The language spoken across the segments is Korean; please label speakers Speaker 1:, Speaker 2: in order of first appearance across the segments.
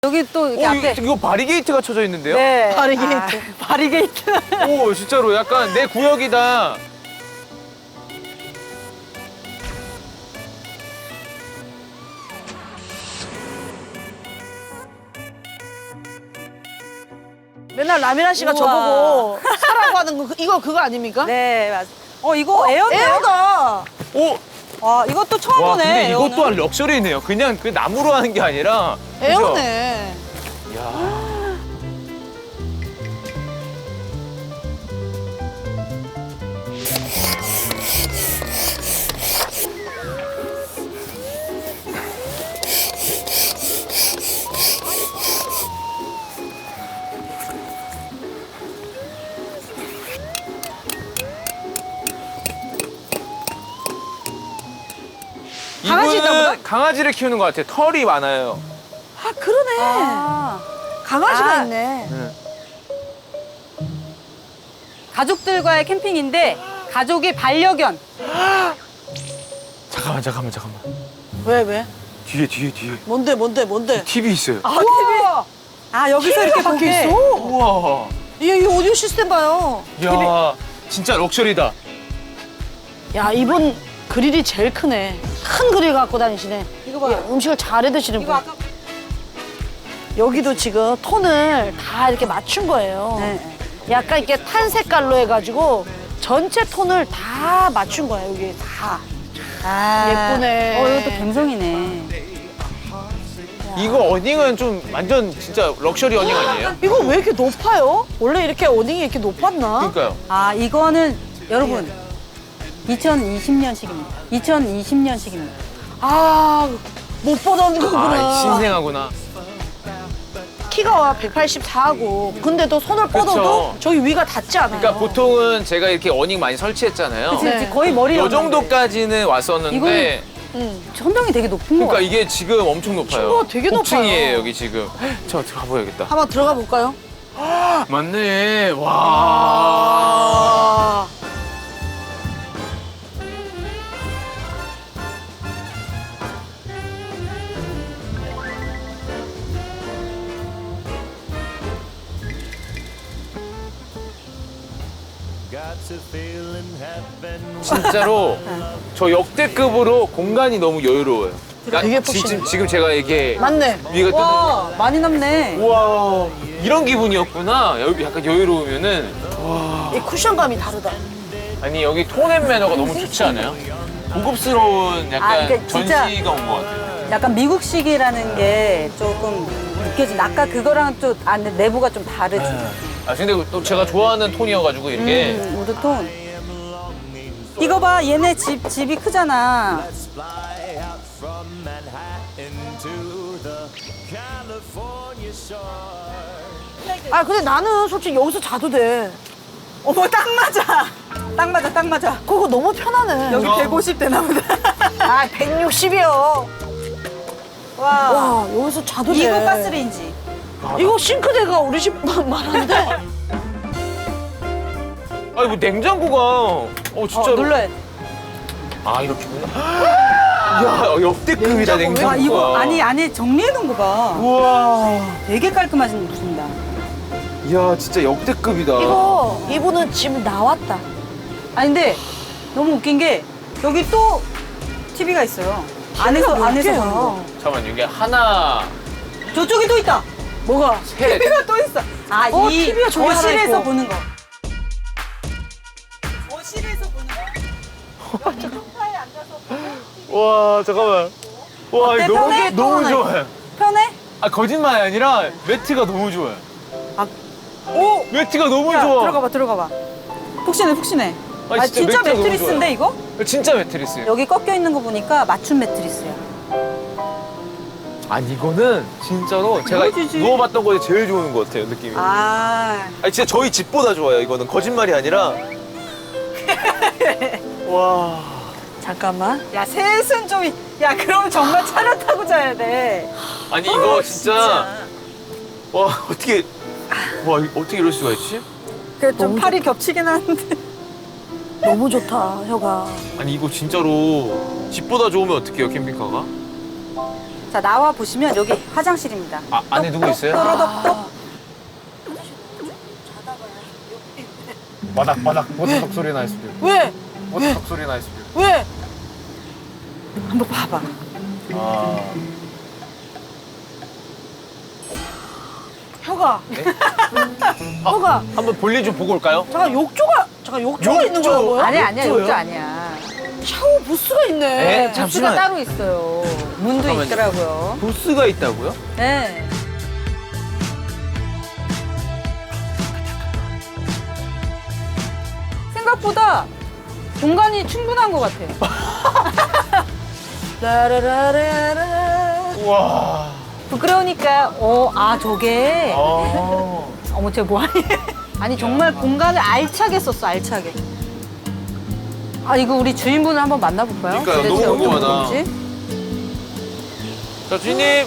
Speaker 1: 여기 또 이렇게 앞에.
Speaker 2: 이거 바리게이트가 쳐져 있는데요?
Speaker 1: 네.
Speaker 3: 바리게이트.
Speaker 1: 바리게이트.
Speaker 2: 오, 진짜로 약간 내 구역이다.
Speaker 3: 맨날 라미라 씨가
Speaker 1: 우와.
Speaker 3: 저보고 사라고 하는 거 이거 그거 아닙니까?
Speaker 1: 네, 맞아. 이거 에어인데요?
Speaker 3: 에어다.
Speaker 2: 오,
Speaker 1: 와, 이것도 처음
Speaker 2: 와,
Speaker 1: 보네.
Speaker 2: 근데 이것도
Speaker 1: 에어는.
Speaker 2: 한 럭셔리네요. 그냥 그 나무로 하는 게 아니라. 그죠?
Speaker 3: 에어네.
Speaker 2: 야.
Speaker 3: 강아지 있나 보다?
Speaker 2: 이거는 강아지를 키우는 것 같아요. 털이 많아요.
Speaker 3: 아 그러네. 강아지가
Speaker 1: 아.
Speaker 3: 있네.
Speaker 1: 가족들과의 캠핑인데 가족이 반려견.
Speaker 2: 잠깐만.
Speaker 3: 왜 왜?
Speaker 2: 뒤에.
Speaker 3: 뭔데?
Speaker 2: TV 있어요.
Speaker 3: 아 TV.
Speaker 1: 아, 여기서 이렇게
Speaker 3: 밖에
Speaker 1: 보게.
Speaker 3: 있어.
Speaker 2: 우와.
Speaker 3: 이 오디오 시스템 봐요.
Speaker 2: 야, 진짜 럭셔리다.
Speaker 3: 야 이분 그릴이 제일 크네. 큰 그릴 갖고 다니시네.
Speaker 1: 이거 봐요.
Speaker 3: 음식을 잘 해드시는
Speaker 1: 이거
Speaker 3: 분.
Speaker 1: 아까.
Speaker 3: 여기도 지금 톤을 다 이렇게 맞춘 거예요.
Speaker 1: 네.
Speaker 3: 약간 이렇게 탄 색깔로 해가지고 전체 톤을 다 맞춘 거야 여기 다.
Speaker 1: 아.
Speaker 3: 예쁘네.
Speaker 1: 이것도 감성이네.
Speaker 2: 이거 어닝은 좀 완전 진짜 럭셔리 어닝 아니에요?
Speaker 3: 이거 왜 이렇게 높아요? 원래 이렇게 어닝이 이렇게 높았나?
Speaker 2: 그러니까요.
Speaker 1: 아, 이거는 여러분 2020년식입니다. 2020년식입니다.
Speaker 3: 아, 못 보던 거구나.
Speaker 2: 아, 신생하구나.
Speaker 3: 키가 184하고 근데도 손을 뻗어도
Speaker 2: 그쵸.
Speaker 3: 저기 위가 닿지 않아요.
Speaker 2: 그러니까 보통은 제가 이렇게 어닝 많이 설치했잖아요.
Speaker 1: 그치,
Speaker 3: 네.
Speaker 1: 거의 머리
Speaker 2: 요 정도까지는 왔었는데
Speaker 3: 응.
Speaker 1: 천정이 되게 높은 거
Speaker 2: 그러니까
Speaker 1: 같아요.
Speaker 2: 이게 지금 엄청 높아요.
Speaker 3: 층고가 되게 높아요.
Speaker 2: 5층이에요, 여기 지금. 저 들어가 봐야겠다.
Speaker 3: 한번 들어가 볼까요?
Speaker 2: 맞네. 와.
Speaker 3: 아.
Speaker 2: 진짜로 저 역대급으로 공간이 너무 여유로워요.
Speaker 3: 되게 푹신해.
Speaker 2: 지금 제가 이게
Speaker 3: 맞네.
Speaker 2: 위가
Speaker 1: 와, 많이 남네.
Speaker 2: 우와, 이런 기분이었구나. 여기 약간 여유로우면은.
Speaker 3: 이 쿠션감이 다르다.
Speaker 2: 아니, 여기 톤앤 매너가 너무 좋지 않아요? 고급스러운 약간
Speaker 1: 그러니까 진짜-
Speaker 2: 전시가 온 것 같아요.
Speaker 1: 약간 미국식이라는 게 조금 느껴진. 아까 그거랑 좀 내부가 좀 다르지.
Speaker 2: 아, 근데 또 제가 좋아하는 톤이어가지고 이렇게.
Speaker 1: 우드톤. 이거 봐, 얘네 집이 크잖아.
Speaker 3: 아 근데 나는 솔직히 여기서 자도 돼.
Speaker 1: 어머, 딱 맞아. 딱 맞아.
Speaker 3: 그거 너무 편하네.
Speaker 1: 여기 150 되나 보다.
Speaker 3: 아 160이요.
Speaker 1: 와.
Speaker 3: 와 여기서 자도 돼.
Speaker 1: 이거 가스레인지.
Speaker 3: 이거 싱크대가 우리 집 말하는데.
Speaker 2: 아니, 뭐 냉장고가. 진짜로.
Speaker 1: 눌러야 돼.
Speaker 2: 아, 이렇게구나. 야, 역대급이다, 냉장고가.
Speaker 1: 와, 이거 안에 정리해 놓은 거 봐.
Speaker 2: 우와.
Speaker 1: 되게 깔끔하십니다.
Speaker 2: 이야, 진짜 역대급이다.
Speaker 3: 이거 이분은 지금 나왔다.
Speaker 1: 아니, 근데 너무 웃긴 게 여기 또 TV가 있어요. 안에서
Speaker 3: 몇
Speaker 1: 보는
Speaker 3: 개야?
Speaker 1: 거.
Speaker 2: 잠깐만, 이게 하나,
Speaker 1: 저쪽에 또 있다.
Speaker 3: 뭐가?
Speaker 2: 셋.
Speaker 1: TV가 또 있어. 아, 이
Speaker 3: TV가 저기 하나
Speaker 1: 거실에서
Speaker 3: 있고.
Speaker 1: 보는 거. 거실에서 보는 거.
Speaker 2: 와, 잠깐만. 와,
Speaker 1: 어때,
Speaker 2: 이거
Speaker 1: 편해?
Speaker 2: 너무 좋아요.
Speaker 1: 편해?
Speaker 2: 아, 거짓말이 아니라 매트가 너무 좋아요.
Speaker 1: 오!
Speaker 2: 매트가 너무
Speaker 1: 야,
Speaker 2: 좋아.
Speaker 1: 들어가 봐. 푹신해.
Speaker 2: 아니,
Speaker 1: 아,
Speaker 2: 진짜
Speaker 1: 진짜
Speaker 2: 매트가 너무
Speaker 1: 매트리스인데, 이거?
Speaker 2: 진짜 매트리스.
Speaker 1: 여기 꺾여 있는 거 보니까 맞춤 매트리스야.
Speaker 2: 아니, 이거는 진짜로 제가
Speaker 1: 이거지지.
Speaker 2: 누워봤던 거에 제일 좋은 것 같아요, 느낌이.
Speaker 1: 아.
Speaker 2: 아니, 진짜 저희 집보다 좋아요, 이거는. 거짓말이 아니라. 와.
Speaker 3: 잠깐만.
Speaker 1: 야, 셋은 좀. 야, 그럼 정말 차려 타고 자야 돼.
Speaker 2: 아니, 이거 진짜. 와, 어떻게. 와, 어떻게 이럴 수가 있지?
Speaker 1: 그 좀
Speaker 3: 너무
Speaker 1: 팔이 겹치긴 하는데.
Speaker 3: 너무 좋다 혀가.
Speaker 2: 아니, 이거 진짜로 집보다 좋으면 어떡해요, 캠핑카가?
Speaker 1: 자, 나와 보시면 여기 화장실입니다.
Speaker 2: 아, 안에 누구 있어요?
Speaker 1: 또로독독.
Speaker 4: 바닥 보트석 소리 날 수도 있고.
Speaker 3: 왜?
Speaker 4: 보트석 소리 날 수도 있고.
Speaker 3: 왜?
Speaker 1: 한번 봐봐.
Speaker 3: 혀가. 혀가.
Speaker 2: 한번 볼일 좀 보고 올까요?
Speaker 3: 잠깐 욕조가 있는 거야 뭐야?
Speaker 1: 아니야, 욕조 아니야.
Speaker 3: 샤워 부스가 있네.
Speaker 2: 네,
Speaker 1: 부스가
Speaker 2: 잠시만.
Speaker 1: 따로 있어요. 문도
Speaker 2: 잠깐만요.
Speaker 1: 있더라고요.
Speaker 2: 부스가 있다고요?
Speaker 1: 네. 생각보다 공간이 충분한 것 같아.
Speaker 3: 라라라라라.
Speaker 2: 우와.
Speaker 1: 부끄러우니까, 저게. 어머, 쟤 뭐하니? 아니, 정말 공간을 알차게 썼어, 알차게. 아, 이거 우리 주인분을 한번 만나볼까요?
Speaker 2: 그러니까요,
Speaker 1: 도대체
Speaker 2: 너무
Speaker 1: 어떤
Speaker 2: 궁금하다.
Speaker 1: 분인지?
Speaker 2: 자, 주인님.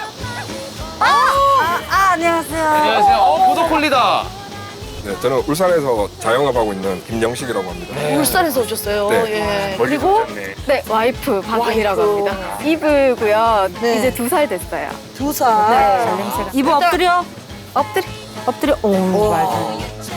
Speaker 1: 안녕하세요.
Speaker 2: 안녕하세요. 보더콜리다.
Speaker 5: 네, 저는 울산에서 자영업하고 있는 김영식이라고 합니다.
Speaker 3: 울산에서 오셨어요.
Speaker 5: 네.
Speaker 3: 예.
Speaker 5: 멀리
Speaker 3: 그리고
Speaker 5: 오셨네.
Speaker 6: 네, 와이프 박은이라고
Speaker 3: 와이프.
Speaker 6: 합니다. 이브고요.
Speaker 3: 네.
Speaker 6: 이제 2살 됐어요.
Speaker 3: 2살.
Speaker 6: 네.
Speaker 1: 이브 엎드려.
Speaker 6: 엎드려.
Speaker 1: 엎드려. 오, 맞아.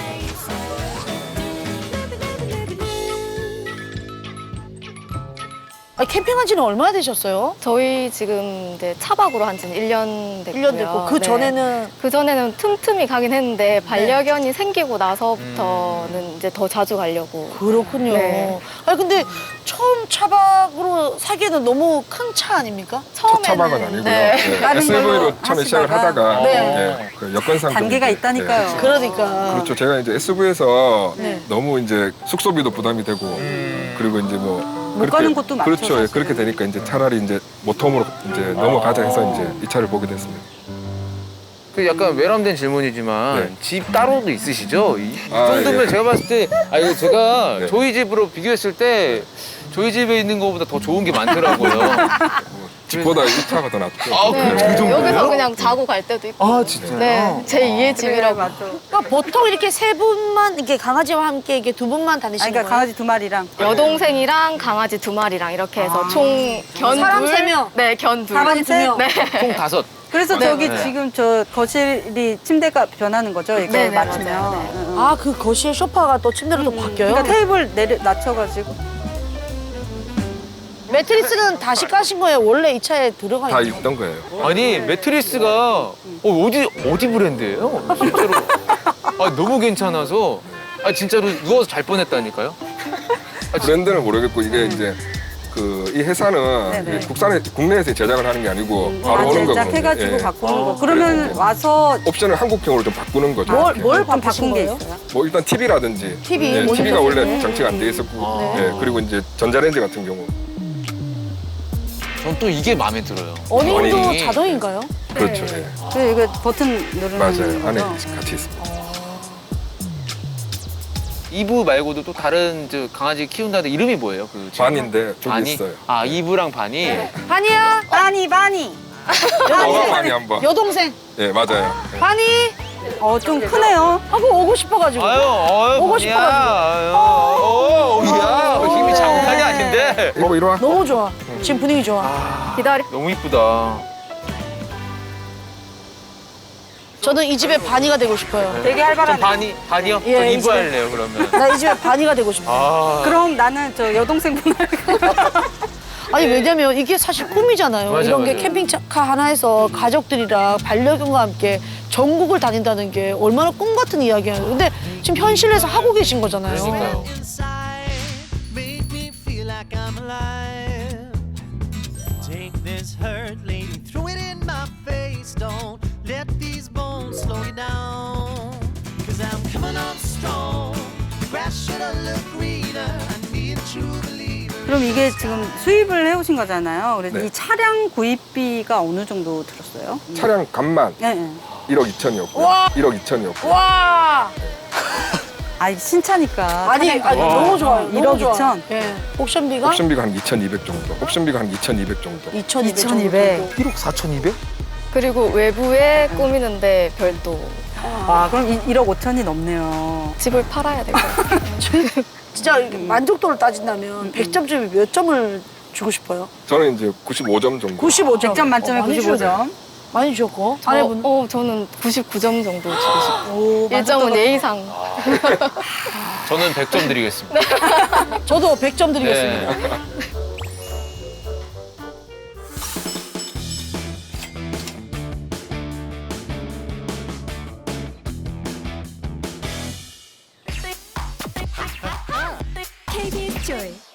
Speaker 3: 아니, 캠핑한 지는 얼마나 되셨어요?
Speaker 6: 저희 지금 이제 차박으로 한 지는 1년 됐고요.
Speaker 3: 1년 됐고 그
Speaker 6: 네.
Speaker 3: 전에는
Speaker 6: 그 전에는 틈틈이 가긴 했는데 반려견이 생기고 나서부터는 이제 더 자주 가려고.
Speaker 3: 그렇군요.
Speaker 6: 네.
Speaker 3: 아니 근데 처음 차박으로 사기에는 너무 큰 차 아닙니까?
Speaker 5: 첫 차박은 아니고요.
Speaker 6: 네.
Speaker 5: 네,
Speaker 1: 다른
Speaker 5: SUV로
Speaker 1: 걸로
Speaker 5: 처음에 시작을
Speaker 1: 하시다가.
Speaker 5: 하다가
Speaker 3: 네.
Speaker 5: 네, 그 여건상
Speaker 1: 단계가
Speaker 5: 좀,
Speaker 1: 있다니까요.
Speaker 5: 네.
Speaker 3: 그러니까.
Speaker 5: 그렇죠. 제가 이제 SUV에서
Speaker 3: 네.
Speaker 5: 너무 이제 숙소비도 부담이 되고 그리고 이제 뭐
Speaker 1: 못 가는 곳도 많죠,
Speaker 5: 그렇죠. 예,
Speaker 1: 사실은.
Speaker 5: 그렇게 되니까 이제 차라리 이제 모텀으로 이제 넘어가자 해서 이제 이 차를 보게 됐습니다.
Speaker 2: 그 약간 외람된 질문이지만
Speaker 5: 네.
Speaker 2: 집 따로도 있으시죠? 이
Speaker 5: 아,
Speaker 2: 정도면
Speaker 5: 예.
Speaker 2: 제가 봤을 때 이거 제가
Speaker 5: 네.
Speaker 2: 저희 집으로 비교했을 때 저희 집에 있는 것보다 더 좋은 게 많더라고요.
Speaker 5: 집보다 이 차가 더 낫죠.
Speaker 2: 아,
Speaker 6: 네.
Speaker 2: 그 정도예요?
Speaker 6: 여기서 그냥 자고 갈 때도 있고.
Speaker 2: 아, 진짜요?
Speaker 6: 네, 제 2의 집이라고.
Speaker 1: 맞죠.
Speaker 3: 그러니까 보통 이렇게 세 분만 이렇게 강아지와 함께 이렇게 두 분만
Speaker 1: 아니,
Speaker 3: 다니시는
Speaker 1: 그러니까
Speaker 3: 거예요?
Speaker 1: 강아지 2마리랑.
Speaker 6: 여동생이랑 강아지 2마리랑 이렇게 해서 총 견
Speaker 3: 사람
Speaker 6: 둘.
Speaker 3: 3명.
Speaker 6: 네, 견 둘.
Speaker 3: 강아지 2명.
Speaker 6: 네.
Speaker 2: 총 5.
Speaker 1: 그래서
Speaker 6: 네,
Speaker 1: 저기
Speaker 2: 네.
Speaker 1: 지금 저 거실이 침대가 변하는 거죠? 이거
Speaker 6: 네, 네,
Speaker 1: 맞추면.
Speaker 6: 맞아요. 네.
Speaker 1: 응, 응.
Speaker 3: 아, 그 거실 소파가 또 침대로 또 바뀌어요?
Speaker 1: 그러니까 테이블 낮춰가지고.
Speaker 3: 매트리스는 다시 까신 거예요? 원래 이 차에 들어가
Speaker 5: 다
Speaker 3: 있는
Speaker 5: 있던 거예요.
Speaker 2: 아니, 매트리스가 어디 브랜드예요? 진짜로. 아, 너무 괜찮아서. 아, 진짜로 누워서 잘 뻔했다니까요?
Speaker 5: 브랜드는 모르겠고 이게 이제 그 이 회사는
Speaker 1: 네네.
Speaker 5: 이게 국내에서 제작을 하는 게 아니고 바로
Speaker 1: 아,
Speaker 5: 오는 거거든요.
Speaker 1: 제작해가지고
Speaker 5: 예.
Speaker 1: 바꾸는 거.
Speaker 5: 그래서
Speaker 1: 그러면
Speaker 5: 이제
Speaker 1: 와서
Speaker 5: 옵션을 한국형으로 좀 바꾸는 거죠.
Speaker 3: 뭘
Speaker 1: 좀
Speaker 3: 바꾸신
Speaker 1: 바꾼 게
Speaker 3: 거예요?
Speaker 1: 있어요?
Speaker 5: 뭐 일단 TV라든지
Speaker 3: TV,
Speaker 5: 예,
Speaker 3: 모니터
Speaker 5: TV가 원래
Speaker 3: 세트.
Speaker 5: 장치가 안 돼 있었고
Speaker 2: 아.
Speaker 5: 예, 그리고 이제 전자레인지 같은 경우
Speaker 2: 전 또 이게 마음에 들어요.
Speaker 3: 어닝도
Speaker 2: 어닝이.
Speaker 3: 자동인가요?
Speaker 5: 그렇죠. 예.
Speaker 1: 그 이거 버튼 누르는
Speaker 5: 맞아요. 안에
Speaker 1: 거죠?
Speaker 5: 같이 있습니다.
Speaker 2: 이브 말고도 또 다른 저 강아지 키운다는데 이름이 뭐예요? 그 친구?
Speaker 5: 반인데 저기
Speaker 2: 바니?
Speaker 5: 있어요.
Speaker 2: 아, 이브랑 바니?
Speaker 3: 바니야,
Speaker 1: 바니.
Speaker 5: 어가 많이 한번.
Speaker 3: 여동생.
Speaker 5: 예, 맞아요. 예.
Speaker 3: 바니
Speaker 1: 좀 크네요.
Speaker 3: 하고 오고 싶어가지고.
Speaker 2: 아유,
Speaker 3: 오고
Speaker 2: 바니야. 야, 힘이 장난이 아닌데.
Speaker 5: 이거 이리 와.
Speaker 3: 너무 좋아. 지금 분위기 좋아.
Speaker 6: 기다리.
Speaker 2: 너무 이쁘다.
Speaker 3: 저는 이 집에 바니가 되고 싶어요.
Speaker 1: 되게
Speaker 2: 전
Speaker 1: 활발하네.
Speaker 2: 바니요?
Speaker 3: 예,
Speaker 2: 전 이브
Speaker 3: 이제.
Speaker 2: 할래요, 그러면.
Speaker 3: 나 이 집에 바니가 되고 싶어.
Speaker 2: 아,
Speaker 1: 그럼 나는 저 여동생분할
Speaker 3: 아니 왜냐면 이게 사실 꿈이잖아요.
Speaker 2: 맞아,
Speaker 3: 이런 게
Speaker 2: 맞아.
Speaker 3: 캠핑카 하나에서 가족들이랑 반려견과 함께 전국을 다닌다는 게 얼마나 꿈 같은 이야기예요. 근데 지금 현실에서 하고 계신 거잖아요.
Speaker 2: 그러니까요.
Speaker 7: inside, make me feel like I'm alive. Take this hurt, lady, throw it in my face. Don't let these bones slow you down. Cause I'm coming on strong. The grass should have looked greener. I need a true believer.
Speaker 1: 그럼 이게 지금 수입을 해오신 거잖아요. 그래서
Speaker 5: 네.
Speaker 1: 이 차량 구입비가 어느 정도 들었어요?
Speaker 5: 차량 값만
Speaker 1: 네, 네.
Speaker 5: 1억 2천이었고요.
Speaker 3: 와.
Speaker 5: 1억 2천이었고.
Speaker 3: 와.
Speaker 1: 아, 이게 신차니까.
Speaker 3: 아니 너무 좋아요.
Speaker 1: 1억 2천.
Speaker 3: 예. 옵션비가
Speaker 5: 옵션비가 한 2,200 정도. 옵션비가 한 2,200 정도.
Speaker 3: 2,200
Speaker 1: 2,200.
Speaker 2: 1억 4,200?
Speaker 6: 그리고 외부에 꾸미는데 별도
Speaker 1: 와, 그럼 1억 5천이 넘네요.
Speaker 6: 집을 팔아야 될 것 같아요.
Speaker 3: 진짜 이렇게 만족도를 따진다면 100점 중에 몇 점을 주고 싶어요?
Speaker 5: 저는 이제 95점 정도.
Speaker 3: 95점.
Speaker 1: 100점 만점에
Speaker 3: 많이
Speaker 1: 95점.
Speaker 3: 주셨네. 많이 주셨고. 아내분.
Speaker 6: 저는 99점 정도 주고 싶어요.
Speaker 3: 오,
Speaker 6: 1점은 예의상.
Speaker 2: 저는 100점 드리겠습니다.
Speaker 3: 저도 100점 드리겠습니다.
Speaker 2: 네.
Speaker 8: KBS Joy